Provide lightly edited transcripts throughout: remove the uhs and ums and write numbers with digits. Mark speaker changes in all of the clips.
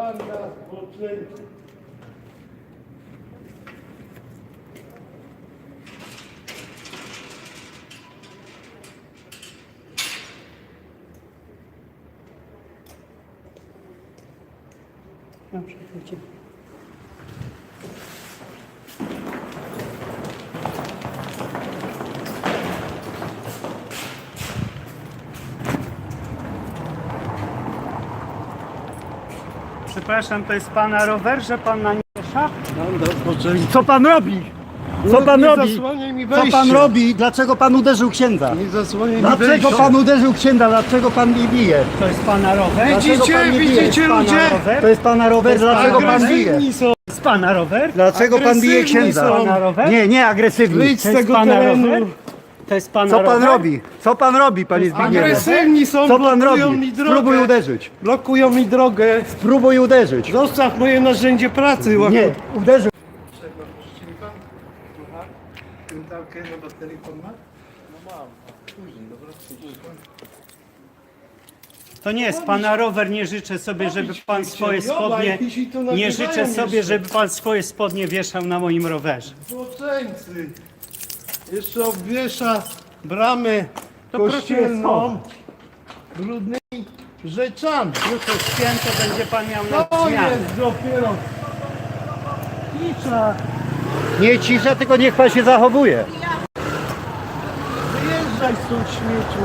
Speaker 1: Banda zboczeńców.
Speaker 2: Dobrze, chodźcie. Przepraszam, to jest pana rower, że pan na nie wiesza?
Speaker 1: Banda zboczeńców.
Speaker 2: Co pan robi? Co pan
Speaker 1: Nie
Speaker 2: robi?
Speaker 1: zasłaniaj mi
Speaker 2: Co
Speaker 1: wejścia.
Speaker 2: pan robi? Dlaczego pan uderzył księdza?
Speaker 1: Nie zasłaniaj mi
Speaker 2: Dlaczego
Speaker 1: wejścia.
Speaker 2: pan uderzył księdza? Dlaczego pan mnie bije? To jest pana rower?
Speaker 1: Widzicie,
Speaker 2: Dlaczego pan mnie bije?
Speaker 1: widzicie,
Speaker 2: To jest pana
Speaker 1: ludzie?
Speaker 2: rower? To jest pana rower, dlaczego pan bije?
Speaker 1: Agresywni są.
Speaker 2: To jest pana rower?
Speaker 1: Dlaczego pan bije księdza?
Speaker 2: Pana rower?
Speaker 1: Nie,
Speaker 2: agresywny.
Speaker 1: Wyjdź z
Speaker 2: To jest
Speaker 1: tego
Speaker 2: pana
Speaker 1: terenu.
Speaker 2: rower? To jest pana
Speaker 1: Co pan
Speaker 2: rower?
Speaker 1: robi? Co pan robi, panie Zbigniewie?
Speaker 2: Agresywni
Speaker 1: są, Co pan
Speaker 2: blokują
Speaker 1: robi?
Speaker 2: mi drogę.
Speaker 1: Spróbuj uderzyć.
Speaker 2: Blokują mi drogę.
Speaker 1: Spróbuj uderzyć.
Speaker 2: Zostaw moje narzędzie pracy.
Speaker 1: Nie, uderzył.
Speaker 2: Pętalkę na baterii pan ma? To nie jest pana rower, nie życzę sobie, żeby pan swoje spodnie... Nie życzę sobie, żeby pan swoje spodnie wieszał na moim rowerze.
Speaker 1: Zboczeńcy. Jeszcze obwiesza bramę
Speaker 2: To proszę
Speaker 1: kościelną brudnymi rzeczami.
Speaker 2: Jutro święto będzie pan miał na
Speaker 1: To
Speaker 2: zmianę.
Speaker 1: jest dopiero cisza.
Speaker 2: Nie cisza, tylko niech pan się zachowuje.
Speaker 1: Wyjeżdżaj stąd, śmieciu.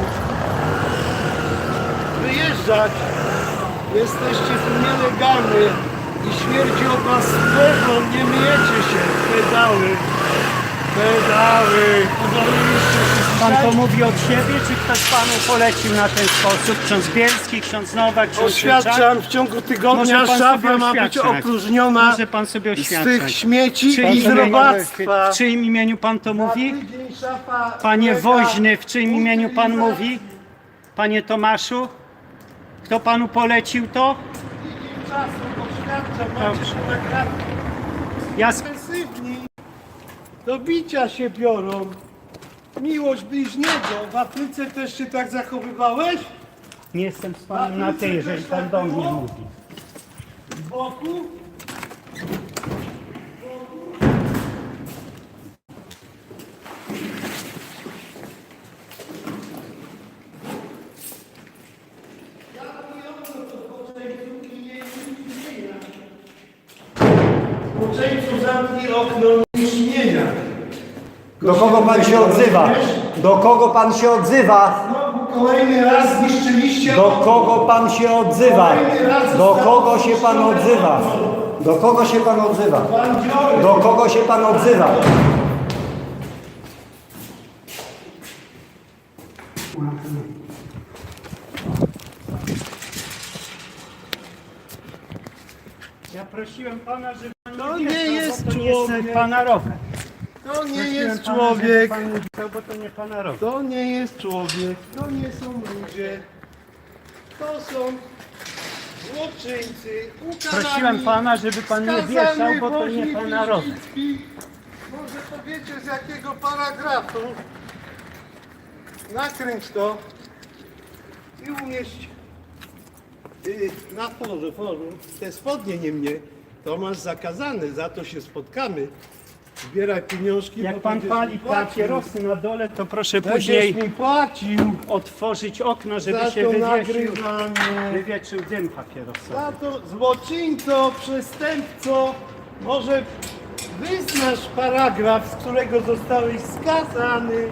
Speaker 1: Wyjeżdżać. Jesteście tu nielegalni i śmierdzi od was pewno, nie myjecie się. Pedały. Pedały. Pozwoliliście się
Speaker 2: Pan to
Speaker 1: dzisiaj.
Speaker 2: mówi od siebie, czy ktoś panu polecił na ten sposób? Ksiądz Bielski, ksiądz Nowak, ksiądz
Speaker 1: Oświadczam, w ciągu tygodnia
Speaker 2: Może pan
Speaker 1: szafa
Speaker 2: sobie
Speaker 1: ma być
Speaker 2: oświadczać.
Speaker 1: opróżniona
Speaker 2: Może pan sobie
Speaker 1: z
Speaker 2: oświadczać.
Speaker 1: tych śmieci
Speaker 2: Czyim
Speaker 1: i z robactwa.
Speaker 2: W czyim imieniu pan to mówi?
Speaker 1: Na tydzień szafa
Speaker 2: Panie
Speaker 1: ulega
Speaker 2: Woźny, w czyim imieniu pan
Speaker 1: utylizacji.
Speaker 2: mówi? Panie Tomaszu? Kto panu polecił to?
Speaker 1: Tydzień czasu oświadczam, macie
Speaker 2: Dobrze.
Speaker 1: to nagrane.
Speaker 2: Ja
Speaker 1: Agresywni do bicia się biorą. Miłość bliźniego. W Afryce też się tak zachowywałeś?
Speaker 2: nie jestem z panem na ty, jeżeli pan do mnie mówi.
Speaker 1: Z boku? Zboczeńcu, zamknij okno imienia.
Speaker 2: Do kogo pan się odzywa? Do kogo pan się odzywa?
Speaker 1: Znowu kolejny raz zniszczyliście.
Speaker 2: Do kogo pan się odzywa? Do kogo się pan odzywa? Do kogo się pan odzywa?
Speaker 1: Bandziory.
Speaker 2: Do kogo się pan odzywa? Ja prosiłem pana, żeby pan
Speaker 1: To
Speaker 2: nie
Speaker 1: nie
Speaker 2: wieszał,
Speaker 1: jest
Speaker 2: bo to nie jest
Speaker 1: człowiek.
Speaker 2: pana rower.
Speaker 1: To nie
Speaker 2: Prosiłem
Speaker 1: jest
Speaker 2: pana,
Speaker 1: człowiek.
Speaker 2: żeby pan nie wieszał, bo to nie pana rower.
Speaker 1: To nie jest człowiek. To nie są ludzie. To są złoczyńcy. Ukarani,
Speaker 2: Prosiłem pana, żeby pan nie
Speaker 1: skazany
Speaker 2: wieszał, bo to
Speaker 1: Woźny
Speaker 2: nie pana rower.
Speaker 1: Piździecki. Może powiecie z jakiego paragrafu. Nakręć to i umieść na forum. Te spodnie nie mnie. To masz zakazane, za to się spotkamy. Zbieraj pieniążki.
Speaker 2: Jak
Speaker 1: bo
Speaker 2: pan
Speaker 1: będziesz
Speaker 2: pali
Speaker 1: mi płacił.
Speaker 2: papierosy na dole, to proszę
Speaker 1: Będziesz
Speaker 2: później
Speaker 1: mi płacił
Speaker 2: otworzyć okno, żeby
Speaker 1: za
Speaker 2: się
Speaker 1: to
Speaker 2: wywiesił,
Speaker 1: nagrywanie.
Speaker 2: wywietrzył dym papierosowy.
Speaker 1: Za to złoczyńco, przestępco, może wyznasz paragraf, z którego zostałeś skazany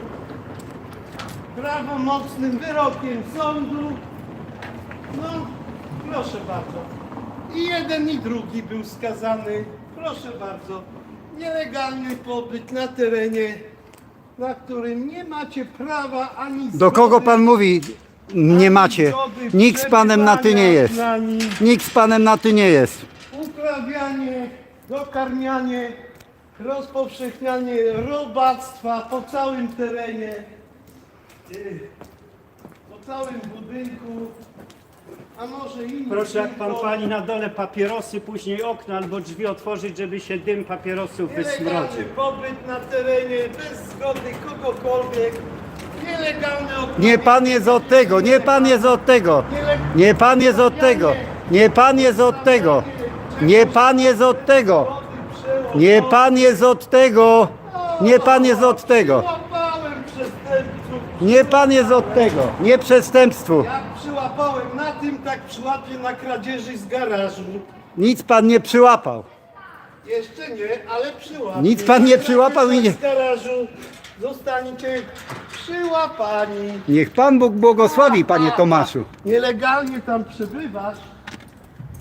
Speaker 1: prawomocnym wyrokiem sądu. No, proszę bardzo. I jeden i drugi był skazany. Proszę bardzo. Nielegalny pobyt na terenie, na którym nie macie prawa ani
Speaker 3: Do kogo
Speaker 1: zgody,
Speaker 3: pan mówi? Nie
Speaker 1: ani
Speaker 3: macie.
Speaker 1: zgody
Speaker 3: Nikt z panem na ty nie
Speaker 1: przebywania
Speaker 3: jest.
Speaker 1: na nim.
Speaker 3: Nikt z panem na ty nie jest.
Speaker 1: Uprawianie, dokarmianie, rozpowszechnianie robactwa po całym terenie, po całym budynku, a może inny.
Speaker 2: Proszę, jak pan
Speaker 1: tylko
Speaker 2: pali na dole papierosy, później okno albo drzwi otworzyć, żeby się dym papierosów
Speaker 1: nielegalny
Speaker 2: wysmrodził.
Speaker 1: pobyt na terenie bez zgody kogokolwiek, nielegalne
Speaker 3: Nie pan jest od tego, nie pan jest od tego. Nie pan jest od tego. Nie pan jest od tego. Nie pan jest od tego.
Speaker 1: Przyłapałem.
Speaker 3: Nie pan jest od tego. Nie pan jest od tego.
Speaker 1: Przyłapałem przestępców.
Speaker 3: Nie pan jest od tego. Nie przestępstwu.
Speaker 1: Jak przyłapałem na tym, tak przyłapię na kradzieży z garażu.
Speaker 3: Nic pan nie przyłapał.
Speaker 1: Jeszcze nie, ale przyłapie.
Speaker 3: Nic pan nie przyłapał i nie-
Speaker 1: Z garażu zostaniecie przyłapani.
Speaker 3: Niech pan Bóg błogosławi, panie Tomaszu.
Speaker 1: Nielegalnie tam przebywasz.